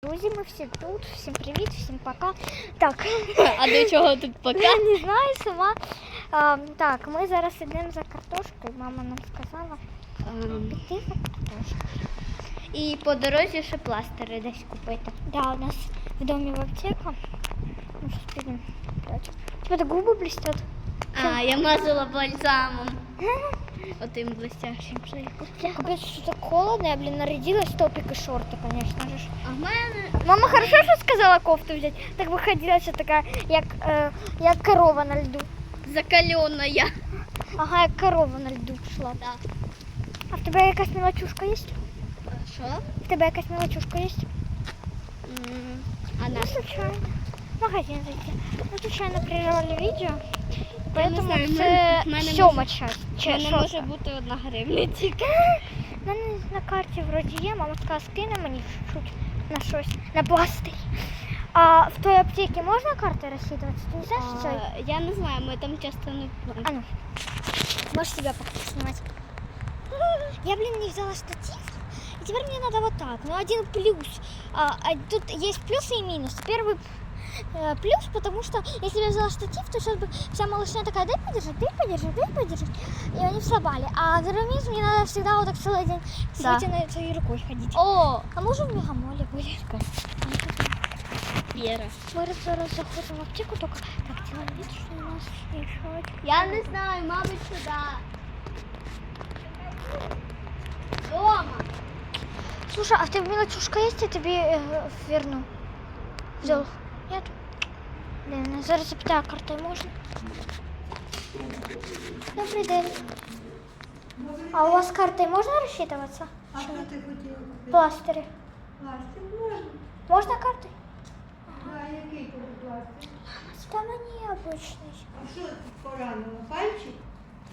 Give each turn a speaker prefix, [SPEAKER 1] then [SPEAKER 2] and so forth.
[SPEAKER 1] Друзі, ми всі тут, всім привіт, всім пока. Так.
[SPEAKER 2] А до чого тут пока?
[SPEAKER 1] Я не знаю сама. Так, ми зараз йдемо за картошкою, мама нам сказала піти за картошкою.
[SPEAKER 2] І по дорозі ще пластири десь купити.
[SPEAKER 1] Да, у нас в домі в аптека. Ну, зараз підемо. У тебе так губи блестять.
[SPEAKER 2] А, я мазала бальзамом. Отим блестящим.
[SPEAKER 1] Капець, що так холодно, я, нарядилась, топик і шорти, конечно же.
[SPEAKER 2] А в мене...
[SPEAKER 1] Мама хорошо, що сказала кофту взяти. Так виходила, що така, як корова на льду.
[SPEAKER 2] Закалена я.
[SPEAKER 1] Ага, як корова на льду пішла.
[SPEAKER 2] Да.
[SPEAKER 1] А в тебе якась мелочушка є?
[SPEAKER 2] Що?
[SPEAKER 1] В тебе якась мелочушка є?
[SPEAKER 2] А
[SPEAKER 1] Ну, случайно. В магазин зайти. Ну, случайно прервали відео. Поэтому
[SPEAKER 2] знаю,
[SPEAKER 1] це
[SPEAKER 2] в мене
[SPEAKER 1] сьома часть.
[SPEAKER 2] У мене може бути 1 гривня тільки.
[SPEAKER 1] У мене на карті вроді є, мама сказала, скине мені чуть-чуть на щось, на пластир. А в той аптеці можна карти розсчитуватися? Ти не знаєш, що це?
[SPEAKER 2] Я не знаю, ми там часто не платимо.
[SPEAKER 1] А ну, можешь себя пока снимать. Я, не взяла штатив, и теперь мне надо вот так. Ну, один плюс. Тут есть плюсы и минусы. Первый плюс, потому что если бы я взяла штатив, то сейчас бы вся малышня такая, дай подержать, дай подержать, дай подержать. И они вслабали. А второй минус, мне надо всегда вот так целый день с
[SPEAKER 2] Да.
[SPEAKER 1] вытянутой своей рукой ходить.
[SPEAKER 2] О,
[SPEAKER 1] А может в мегамоле будет?
[SPEAKER 2] Віра.
[SPEAKER 1] Мы зараз заходим в аптеку, только так делаем вид, что у нас еще...
[SPEAKER 2] Я не знаю, мабуть, сюди. Дома.
[SPEAKER 1] Слушай, а в тебе мелочушка есть, я тебе верну? Взял? Нет? Блин, зараз запитаю, картой можно? Добрый день. А у вас картой можно рассчитываться?
[SPEAKER 3] А що ти хотіла купити?
[SPEAKER 1] Пластыри.
[SPEAKER 3] Пластик можна.
[SPEAKER 1] Можно картой?
[SPEAKER 3] А який тобі пластик?
[SPEAKER 1] Там они обычные.
[SPEAKER 3] А що ти поранила? Пальчик?